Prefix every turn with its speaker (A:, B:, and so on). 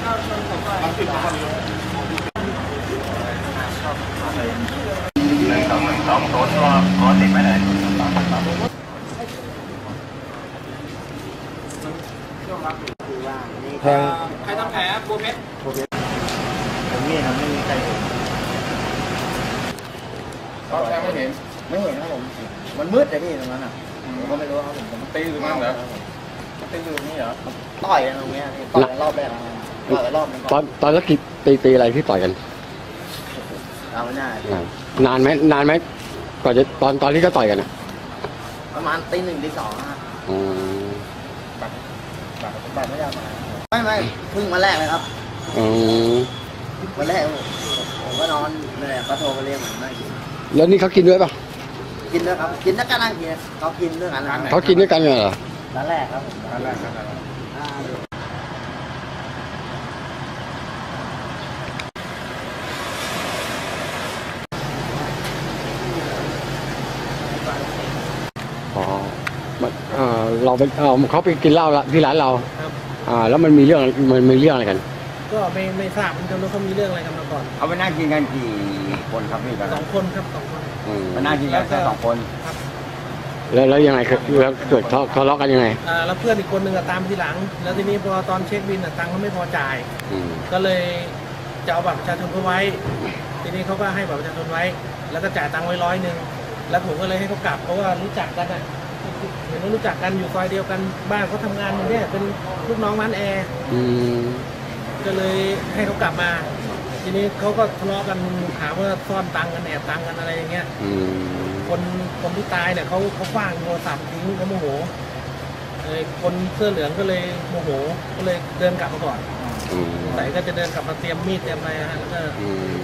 A: ตัวขอติดไปเลย
B: แทง
C: ใครทำแผลบัวเพชร
B: ผมนี่ครับไม่มีใครเห็น
A: เขาแทงไม่เห็น
B: ครับผมมันมืดเลยพี่ตรงนั้นอ่ะผมก็ไม่รู้ครับผม
A: ตีหรือมั้งเหรอตีอยู่นี่เหรอ
B: ต่อยกันตรงนี้ต่อยกันรอบแรกต่อยกันรอบนึง
D: ตอนแล้วตีอะไรที่ต่อยกัน
B: เอาไม่ได้
D: นานไหมก่อนจะตอนที่เขาต่อยกันอ่ะ
B: ประมาณตี 1 ตี 2ฮะบัตรไม่ได้มาไม่เพิ่งมาแรกเลยครับวันแรกผมก็นอนเลยเขาโทรมาเรียกผมนั่งกิน
D: แล้วนี่เขากินด้วยป่ะ
B: กินด้วยครับกินแล้วก็นั่งกินเขากินด้วยกัน
D: เขากินด้วยกันเหรอ
B: ร้านแรกครับ
A: ร้านแรก
D: เราไปเขาไปกินเหล้าที่ร้านเราแล้วมันมีเรื่องอะไรกัน
C: ก็ไม่ทราบเหมือนกันว่าเขามีเรื่องอะไรกันมาก่อน
A: เอาไปนั่งกินกันกี่คนครับพี่
C: 2 คนครับ2 คน
A: มานั่งกินกันแค่2 คน
C: ครับ
D: แล้วยังไงแล้วเกิดทะเลาะกันยังไง
C: แล้วเพื่อนอีกคนนึงตามทีหลังแล้วทีนี้พอตอนเช็คบินตังค์เขาไม่พอจ่ายก็เลยจะเอาบัตรประชาชนเขาไว้ทีนี้เขาก็ให้บัตรประชาชนไว้แล้วก็จ่ายตังค์ไว้100แล้วผมก็เลยให้เขากลับเพราะว่ารู้จักกันเห็นว่ารู้จักกันอยู่ซอยเดียวกันบ้านเขาทำงานอยู่เนี่ยเป็นลูกน้องร้านแอร์ก็เลยให้เขากลับมาทีนี้เขาก็ทะเลาะกันหาว่าซ่อนตังค์กันแอบตังค์กันอะไรอย่างเงี้ยคนที่ตายเนี่ยเขาคว้างโทรศัพท์ทิ้งเขาโมโหคนเสื้อเหลืองก็เลยโมโหก็เลยเดินกลับมาก่อนใส่ก็จะเดินกลับมาเตรียมมีดเตรียมอะไรฮะแล้วก็